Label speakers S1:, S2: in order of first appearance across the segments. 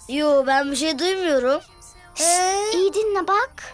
S1: Yo, ben bir şey duymuyorum.
S2: İyi dinle bak.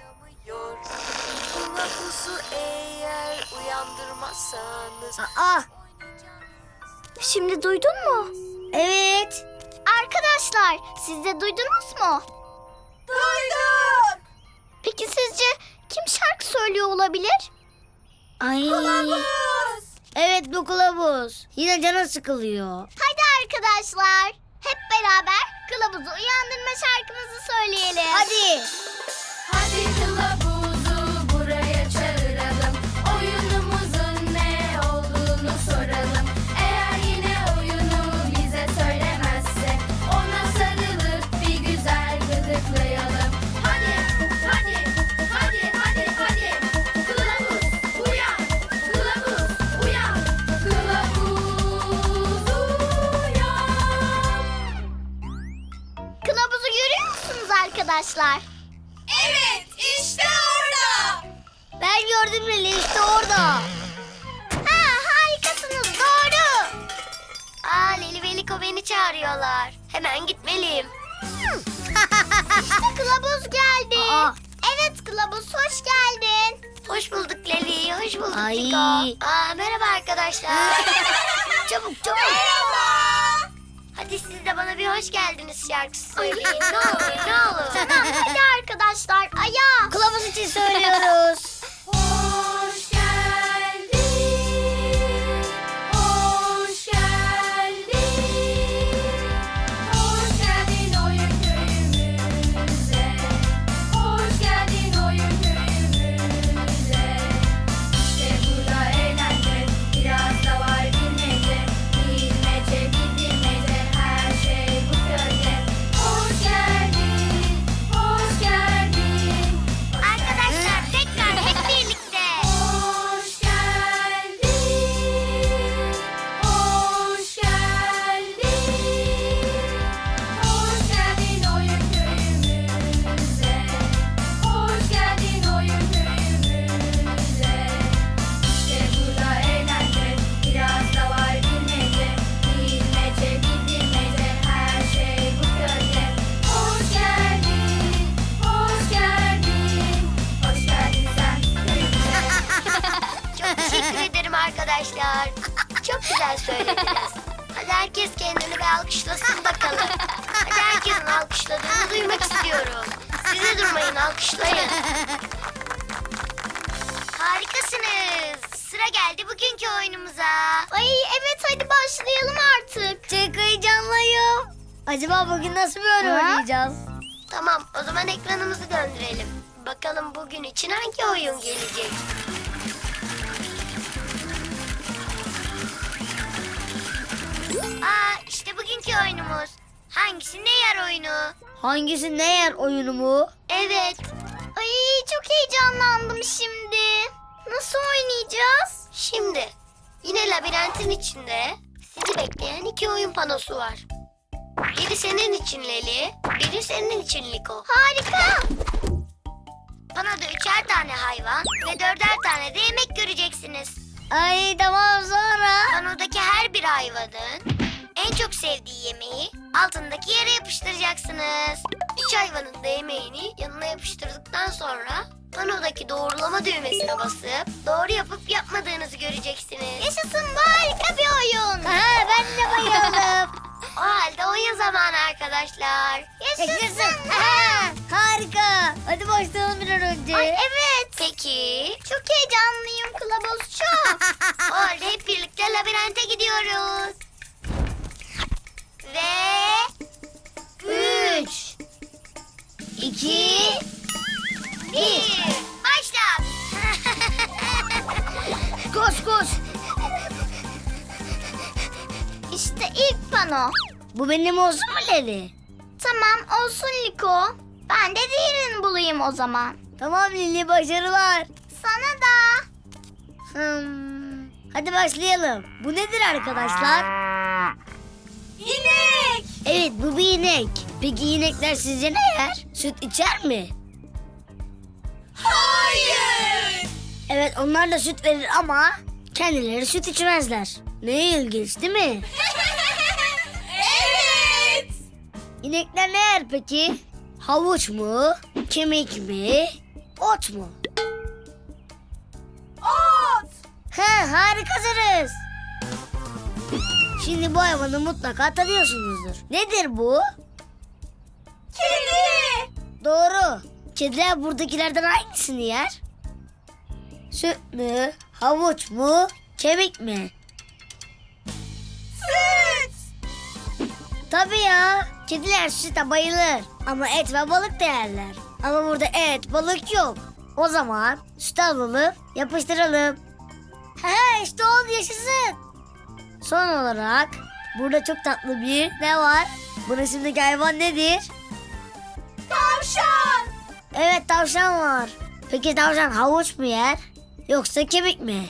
S3: Kılavuzu eğer uyandırmazsanız.
S1: Aa,
S2: Şimdi duydun mu?
S1: evet.
S2: Arkadaşlar siz de duydunuz mu?
S3: Duyduk.
S2: Peki sizce kim şarkı söylüyor olabilir?
S1: Ay. Evet, bu kılavuz. Yine canı sıkılıyor.
S2: Hadi arkadaşlar hep beraber kılavuzu uyandırma şarkımızı söyleyelim.
S1: Hadi.
S4: Hadi kılavuzu buraya çağıralım. Oyunumuzun ne olduğunu soralım. Eğer yine oyunu bize söylemezse ona sarılıp bir güzel gıdıklayalım. Hadi, hadi, hadi, hadi, hadi. Kılavuz uyan, kılavuz uyan, kılavuz uyan.
S2: Kılavuzu görüyor musunuz arkadaşlar?
S4: Evet, işte orada.
S1: Ben gördüm Leli, işte orada.
S2: Ha, harikasınız, doğru.
S3: Leli ve Liko beni çağırıyorlar. Hemen gitmeliyim.
S2: İşte kılavuz geldi.
S1: Aa.
S2: Evet kılavuz hoş geldin.
S3: Hoş bulduk Leli, hoş bulduk
S1: Ay.
S3: Liko. Merhaba arkadaşlar. Çabuk çabuk. Hadi siz de bana bir hoş geldiniz şarkısı söyleyin. Ne olur ne olur.
S2: Tamam hadi arkadaşlar ayağa.
S1: Kılavuz için söylüyoruz.
S4: Hoş geldin, hoş geldin, hoş geldin oyun köyümüze, hoş geldin oyun köyümüze. İşte burada eğlence, biraz da var bilmece, bilmece bilmece, her şey bu köyde. Hoş geldin, hoş geldin.
S2: Arkadaşlar tekrar hep birlikte.
S4: Hoş geldin, hoş geldin, hoş geldin oyun köyümüze, hoş geldin oyun köyümüze. İşte burada eğlence, biraz da var bilmece, bilmece bilmece, her şey bu köyde. Hoş geldin, hoş geldin, hoş geldin sen köyümüze.
S3: Çok teşekkür ederim arkadaşlar. Çok güzel söylediniz. Hadi herkes kendini bir alkışlasın bakalım. Hadi herkesin alkışladığını duymak istiyorum. Size durmayın, alkışlayın. Harikasınız. Sıra geldi bugünkü oyunumuza.
S2: Ay evet hadi başlayalım artık.
S1: Çok heyecanlıyım. Acaba bugün nasıl bir oyun
S2: Ha?
S1: oynayacağız?
S3: Tamam, o zaman ekranımızı döndürelim. Bakalım bugün için hangi oyun gelecek? İşte bugünkü oyunumuz. Hangisi ne yer oyunu?
S1: Hangisi ne yer oyunu mu?
S3: Evet.
S2: Ay çok heyecanlandım şimdi. Nasıl oynayacağız?
S3: Şimdi yine labirentin içinde sizi bekleyen iki oyun panosu var. Biri senin için Leli, biri senin için Liko.
S2: Harika.
S3: Panoda 3'er tane hayvan ve 4'er tane de yemek göreceksiniz.
S1: Ay tamam, sonra.
S3: Panodaki her bir hayvanın en çok sevdiği yemeği altındaki yere yapıştıracaksınız. 3 hayvanın da yemeğini yanına yapıştırdıktan sonra panodaki doğrulama düğmesine basıp doğru yapıp yapmadığınızı göreceksiniz.
S2: Yaşasın bu harika bir oyun.
S1: Ha, ben de bayıldım.
S3: O halde oyun zamanı arkadaşlar.
S2: Yaşasın.
S1: Ha, harika. Hadi başlayalım bir an önce.
S2: Ay evet.
S3: Peki.
S2: Çok heyecanlıyım kılavuz çok.
S3: O halde hep birlikte labirente gidiyoruz. Ve
S1: 3, 2,
S3: 1. Başla.
S1: koş koş.
S2: İşte ilk pano.
S1: Bu benim olsun mu Leli?
S2: Tamam olsun Liko. Ben de diğerini bulayım o zaman.
S1: Tamam Lili, başarılar.
S2: Sana da.
S1: Hadi başlayalım. Bu nedir arkadaşlar?
S4: İnek.
S1: Evet, bu bir inek. Peki inekler sizce ne yer? Süt içer mi?
S4: Hayır.
S1: Evet, onlar da süt verir ama kendileri süt içmezler. Ne ilginç değil mi?
S4: Evet.
S1: İnekler ne yer peki? Havuç mu? Kemik mi? Ot mu?
S4: Ot.
S1: He, harikasınız. Şimdi bu hayvanı mutlaka tanıyorsunuzdur. Nedir bu?
S4: Kedi.
S1: Doğru. Kediler buradakilerden hangisini yer? Süt mü? Havuç mu? Kemik mi?
S4: Süt.
S1: Tabii ya. Kediler süte bayılır. Ama et ve balık da yerler. Ama burada et, balık yok. O zaman süt alalım, yapıştıralım. He, işte oldu, yaşasın. Son olarak burada çok tatlı bir ne var? Bu resimdeki hayvan nedir?
S4: Tavşan.
S1: Evet, tavşan var. Peki tavşan havuç mu yer? Yoksa kemik mi?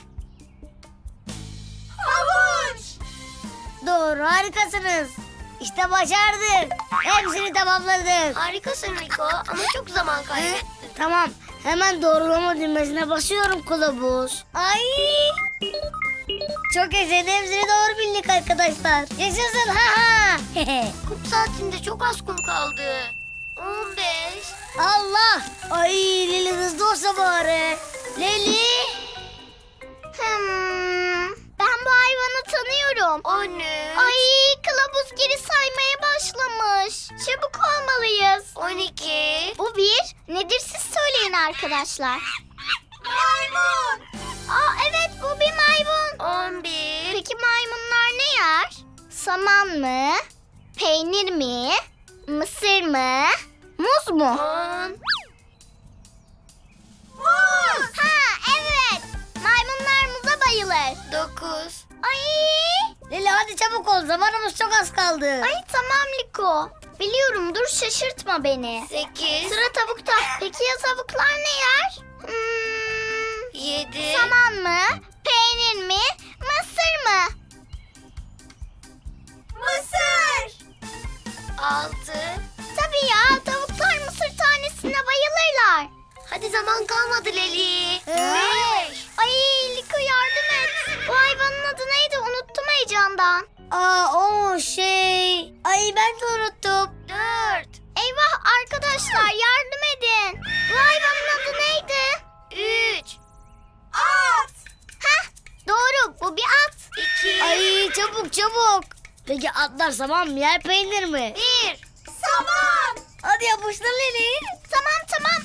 S4: Havuç.
S1: Doğru, harikasınız. İşte başardık. Hepsini tamamladık.
S3: Harikasın Liko ama çok zaman kaybettin.
S1: Tamam, hemen doğrulama düğmesine basıyorum kılavuz. Ay! Çok yaşayın, hepsini doğru bildik arkadaşlar. Yaşasın, ha ha.
S3: Kum saatinde çok az kum kaldı. 15.
S1: Allah! Ay, Leli hızlı olsa bari. Leli!
S2: Ben bu hayvanı tanıyorum.
S3: 13.
S2: Ay, kılavuz geri saymaya başlamış. Çabuk olmalıyız.
S3: 12.
S2: Bu bir. Nedir siz söyleyin arkadaşlar.
S4: Maymun.
S2: Aa, evet, bu bir maymun.
S3: 11.
S2: Peki maymunlar ne yer? Saman mı? Peynir mi? Mısır mı? Muz mu?
S3: 10.
S2: Muz. Ha, evet. Maymunlar muza bayılır.
S3: 9.
S2: Ay.
S1: Leli hadi çabuk ol, zamanımız çok az kaldı.
S2: Ay tamam Liko. Biliyorum, dur şaşırtma beni.
S3: 8.
S2: Sıra tavukta. Peki ya tavuklar ne yer?
S3: 7.
S2: Saman mı? Peynir mi? Mısır mı?
S4: Mısır.
S3: 6.
S2: Tabii ya, tavuklar mısır tanesine bayılırlar.
S3: Hadi zaman kalmadı Leli. 5.
S2: Ay Liko, yardım et. Bu hayvanın adı neydi? Unuttum heyecandan.
S1: O şey... Ay, ben de unuttum.
S3: 4.
S2: Eyvah arkadaşlar, yardım edin. Bu hayvanın adı neydi?
S3: 3.
S4: At.
S2: Heh, doğru, bu bir at.
S3: 2.
S1: Ay, çabuk çabuk. Peki atlar saman mı yer, peynir mi?
S3: 1.
S4: Saman.
S1: Hadi yapıştır Leli.
S2: Tamam.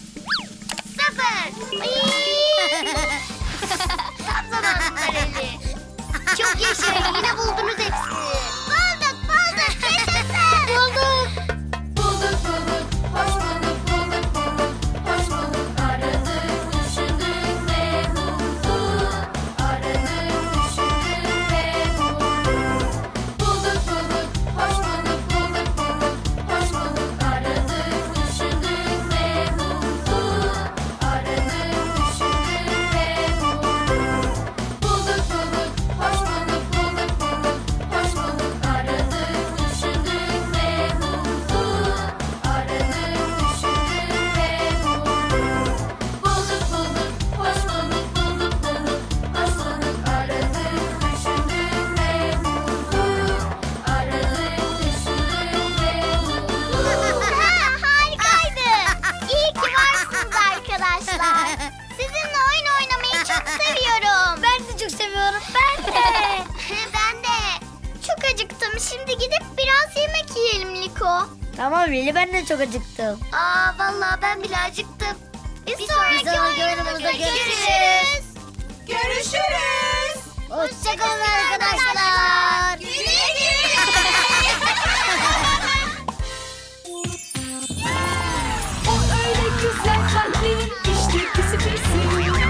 S3: 0.
S2: Ay.
S3: Tam zamanında Leli. Çok yaşayın, yine buldunuz hepsini.
S2: Bulduk, yaşasın.
S1: Bulduk.
S4: Bulduk bulduk. Hoş bulduk bulduk. Hoş bulduk. Aradık, düşündük ve bulduk. Aradık, düşündük ve bulduk. Bulduk bulduk. Hoş bulduk bulduk. Hoş bulduk. Aradık, düşündük ve bulduk. Aradık, düşündük ve bulduk. Bulduk bulduk. Hoş bulduk bulduk. Hoş bulduk. Aradık, düşündük ve bulduk. Aradık, düşündük ve bulduk. Bulduk bulduk. Hoş bulduk bulduk. Hoş bulduk. Aradık, düşündük ve bulduk. Aradık, düşündük ve bulduk.
S2: Harikaydı. İyi ki varsınız arkadaşlar. Sizinle oyun oynamayı çok seviyorum.
S1: Ben de çok seviyorum, ben de.
S2: Ben de. Çok acıktım. Şimdi gidip biraz yemek yiyelim Liko.
S1: Tamam Leli, ben de çok acıktım.
S3: Aa, vallahi ben bile acıktım.
S2: Bir sonraki oyunumuzda görüşürüz.
S4: Görüşürüz.
S1: Hoşçakalın arkadaşlar.
S2: Güle güle.
S4: O öyle güzel kalpli, işte pisi pisi.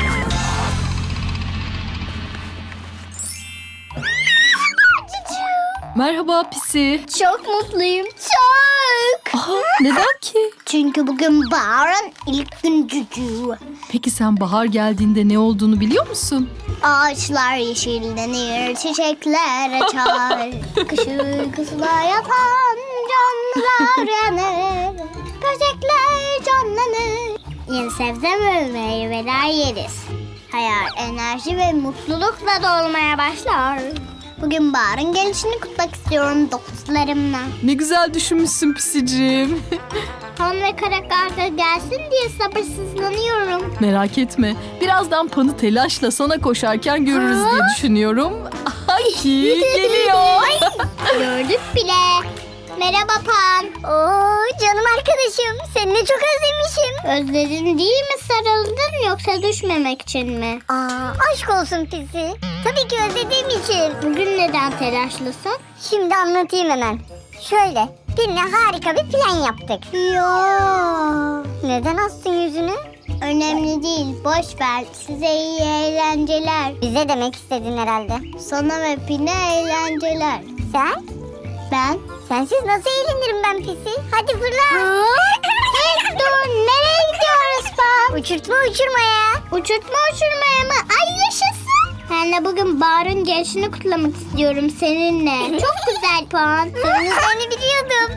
S5: Merhaba Pisi.
S2: Çok mutluyum. Çok.
S5: Aha, neden ki?
S2: Çünkü bugün baharın ilk gün cücüğü.
S5: Peki sen bahar geldiğinde ne olduğunu biliyor musun?
S2: Ağaçlar yeşillenir, çiçekler açar. Kış uykusuna yatan canlılar uyanır. Böcekler canlanır. Yeni sebze ve meyveler yeriz. Hayat enerji ve mutlulukla dolmaya başlar. Bugün Bahar'ın gelişini kutmak istiyorum dokuzlarımla.
S5: Ne güzel düşünmüşsün Pisicim.
S2: Pan ve kara karga gelsin diye sabırsızlanıyorum.
S5: Merak etme. Birazdan Pan'ı telaşla sana koşarken görürüz diye düşünüyorum. Ay geliyor.
S2: Gördük bile. Merhaba Pan.
S1: Oo canım arkadaşım. Seni çok özlemişim.
S2: Özledin değil mi, sarıldın yoksa düşmemek için mi?
S1: Aşk olsun Pisi. Tabii ki özlediğim için.
S2: Bugün neden telaşlısın?
S1: Şimdi anlatayım hemen. Şöyle, birine harika bir plan yaptık.
S2: Yo.
S1: Neden astın yüzünü?
S2: Önemli değil, boş ver. Size iyi eğlenceler.
S1: Bize demek istedin herhalde.
S2: Sana ve Pin'e eğlenceler.
S1: Sen?
S2: Ben?
S1: Sensiz nasıl eğlenirim ben Pisi? Hadi fırla.
S2: Hey, dur, nereye gidiyoruz Pan?
S1: Uçurtma uçurmaya.
S2: Uçurtma uçurmaya mı? Ay yaşasın. Ben de bugün Bahar'ın gelişini kutlamak istiyorum seninle. Çok güzel Pan.
S1: Seni biliyordum.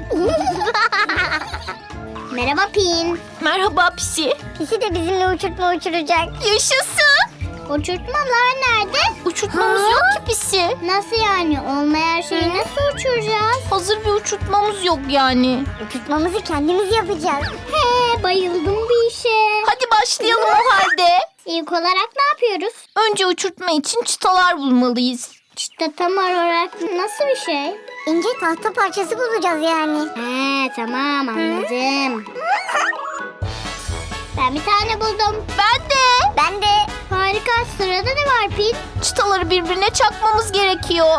S2: Merhaba Pin.
S5: Merhaba Pisi.
S1: Pisi de bizimle uçurtma uçuracak.
S5: Yaşasın.
S2: Uçurtmalar nerede?
S5: Uçurtmamız yok ki Pisi.
S2: Nasıl yani? Olmayan şeyi nasıl uçuracağız?
S5: Hazır bir uçurtmamız yok yani.
S1: Uçurtmamızı kendimiz yapacağız.
S2: He, bayıldım bir işe.
S5: Hadi başlayalım o halde.
S2: İlk olarak ne yapıyoruz?
S5: Önce uçurtma için çıtalar bulmalıyız.
S2: İşte tam olarak nasıl bir şey?
S1: İnce tahta parçası bulacağız yani.
S2: He, tamam anladım. Ben bir tane buldum.
S5: Ben de.
S1: Ben de.
S2: Harika. Sırada ne var Pin?
S5: Çıtaları birbirine çakmamız gerekiyor.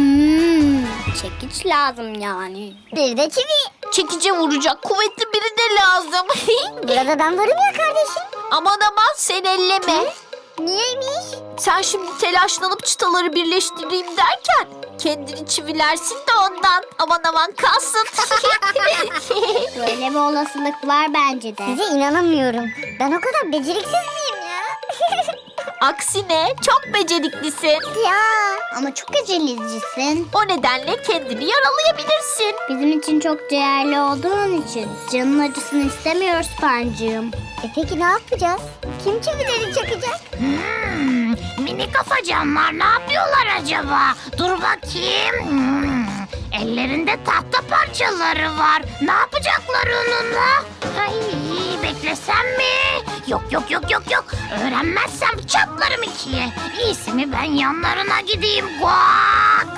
S2: Çekiç lazım yani.
S1: Bir de çivi.
S5: Çekice vuracak kuvvetli biri de lazım.
S1: Burada ben varım ya kardeşim.
S5: Aman aman sen elleme.
S1: Niyeymiş?
S5: Sen şimdi telaşlanıp çıtaları birleştireyim derken kendini çivilersin de ondan. Aman aman kalsın.
S2: Böyle bir olasılık var bence de.
S1: Size inanamıyorum. Ben o kadar beceriksiz miyim ya?
S5: Aksine çok beceriklisin.
S1: Ya.
S2: Ama çok acelecisin.
S5: O nedenle kendini yaralayabilirsin.
S2: Bizim için çok değerli olduğun için canın acısını istemiyoruz Pancığım.
S1: Peki ne yapacağız? Kim çivileri çakacak?
S6: Mini kafacanlar ne yapıyorlar acaba? Dur bakayım. Ellerinde tahta parçaları var. Ne yapacaklar onunla? Ay, beklesem mi? Yok. Öğrenmezsem çatlarım ikiye. İyisi mi ben yanlarına gideyim. Guak!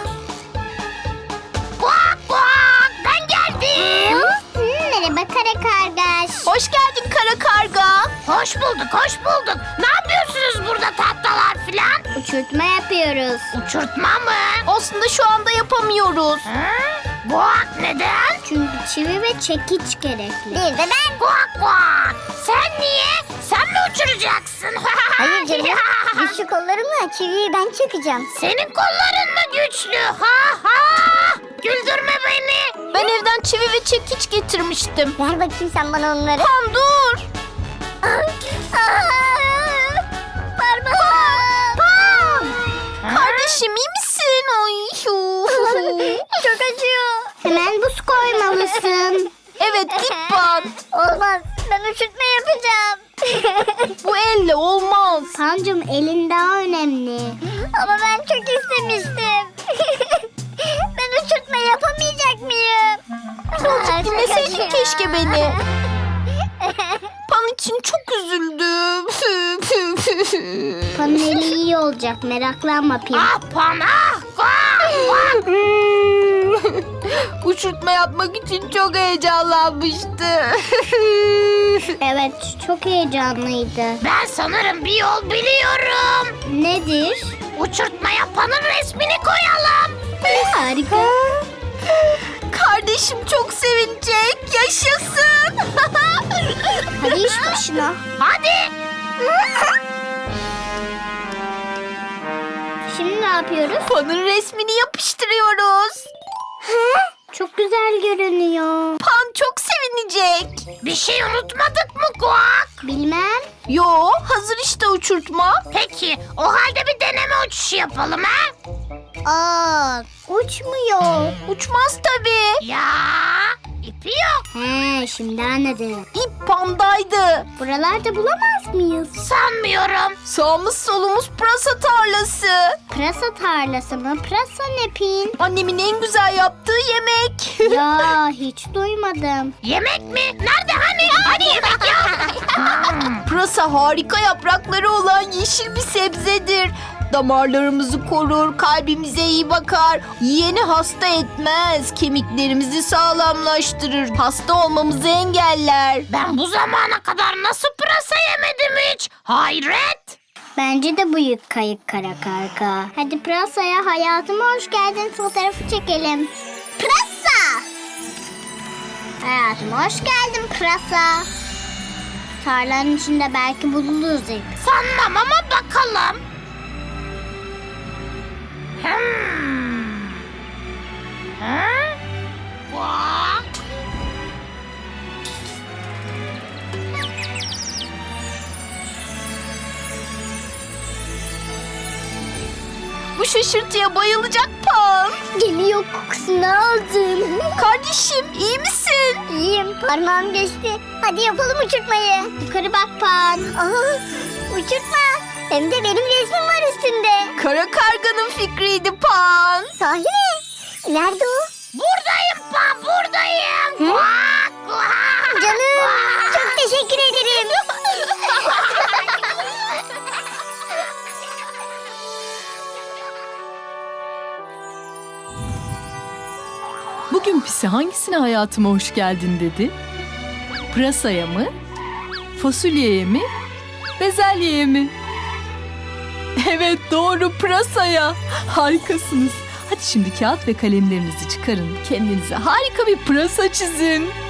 S6: Guak! Ben geldim.
S2: Merhaba kara kargaş.
S5: Hoş geldin kara karga.
S6: Hoş bulduk. Ne yapıyorsunuz burada tahtalar filan?
S2: Uçurtma yapıyoruz.
S6: Uçurtma mı?
S5: Aslında şu anda yapamıyoruz.
S6: Guak neden?
S2: Çünkü çivi ve çekiç gerekli.
S1: Bir de ben.
S6: Guak. Sen niye? Sen mi uçuracaksın?
S1: Hayır canım. Güçlü kollarımla çiviyi ben çakacağım.
S6: Senin kolların mı güçlü? Güldürme beni.
S5: Ben evden çivi ve çekiç getirmiştim.
S1: Ver bakayım sen bana onları.
S5: Pan dur. Kardeşim iyi misin? Ay.
S1: Çok acıyor.
S2: Hemen buz koymalısın.
S5: Evet git Pan.
S1: Olmaz. Ben uçurtma yapacağım.
S5: Bu elle olmaz.
S2: Pancım elin daha önemli.
S1: Ama ben çok istemiştim. Ben uçurtma yapamayacak mıyım?
S5: Dinleseydin keşke beni. Pan için çok üzüldüm.
S2: Panın eli iyi olacak, meraklanma Pin.
S6: Pana. Guak.
S5: Uçurtma yapmak için çok heyecanlanmıştı.
S2: Evet, çok heyecanlıydı.
S6: Ben sanırım bir yol biliyorum.
S2: Nedir?
S6: Uçurtma yapanın resmini koyalım.
S2: Harika.
S5: Kardeşim çok sevinecek. Yaşasın.
S2: Hadi iş başına.
S6: Hadi.
S2: Şimdi ne yapıyoruz?
S5: Pan'ın resmini yapıştırıyoruz.
S2: Çok güzel görünüyor.
S5: Pan çok sevinecek.
S6: Bir şey unutmadık mı Guak?
S2: Bilmem.
S5: Yo, hazır işte uçurtma.
S6: Peki o halde bir deneme uçuşu yapalım ha?
S2: Uçmuyor.
S5: Uçmaz tabii.
S6: Ya İpi yok.
S2: He, şimdi anladım.
S5: İp Pan'daydı.
S2: Buralarda bulamaz mıyız?
S6: Sanmıyorum.
S5: Sağımız solumuz pırasa tarlası.
S2: Pırasa tarlası mı? Pırasa ne Pin?
S5: Annemin en güzel yaptığı yemek.
S2: Ya hiç duymadım.
S6: Yemek mi? Nerede hani? Hani yemek ya?
S5: Pırasa harika yaprakları olan yeşil bir sebzedir. Damarlarımızı korur, kalbimize iyi bakar. Yiyeni hasta etmez, kemiklerimizi sağlamlaştırır. Hasta olmamızı engeller.
S6: Ben bu zamana kadar nasıl pırasa yemedim hiç? Hayret.
S2: Bence de büyük kayık kara karga. Hadi pırasaya hayatıma hoş geldin fotoğrafı çekelim. Pırasa! Hayatıma hoş geldin pırasa. Tarlanın içinde belki buluruz ip.
S6: Sanmam ama bakalım. Vaa!
S5: Bu şaşırtıya bayılacak Pan.
S2: Geliyor, kokusunu aldım.
S5: Kardeşim iyi misin?
S2: İyiyim, parmağım geçti. Hadi yapalım uçurtmayı. Yukarı bak Pan. Aa, uçurtma. Hem de benim resmim var üstünde.
S5: Kara karganın fikriydi Pan.
S2: Sahi mi? Nerede o?
S6: Buradayım Pan, buradayım. Vak, vak,
S2: Canım,
S6: vak.
S2: çok teşekkür ederim.
S4: Bugün Pisi hangisine hayatıma hoş geldin dedi? Pırasaya mı? Fasulyeye mi? Bezelyeye mi? Evet doğru, pırasaya. Harikasınız. Hadi şimdi kağıt ve kalemlerinizi çıkarın. Kendinize harika bir pırasa çizin.